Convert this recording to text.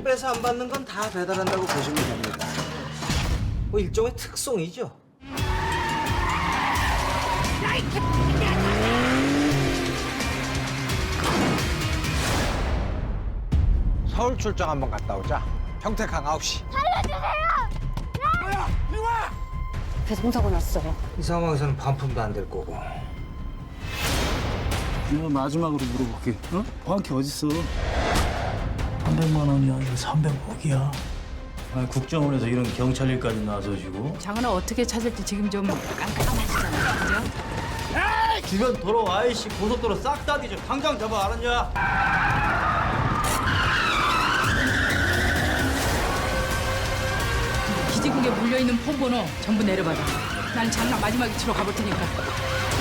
빼서 안 받는 건 다 배달한다고 보시면 됩니다. 뭐 일종의 특송이죠. 서울 출장 한번 갔다 오자. 평택항 9시. 배송사고 났어요. 이 상황에서는 반품도 안 될 거고. 내가 마지막으로 물어볼게. 어? 정확히 어딨어? 300만 원이야. 이거 300억이야. 아, 국정원에서 이런 경찰 일까지 나서시고. 장은아 어떻게 찾을지 지금 좀 깜깜하시잖아, 그죠? 주변 도로, IC, 고속도로 싹 다 뒤져. 당장 잡아, 알았냐? 기지국에 물려있는 폰번호 전부 내려받아. 난 장난 마지막에 치러 가볼 테니까.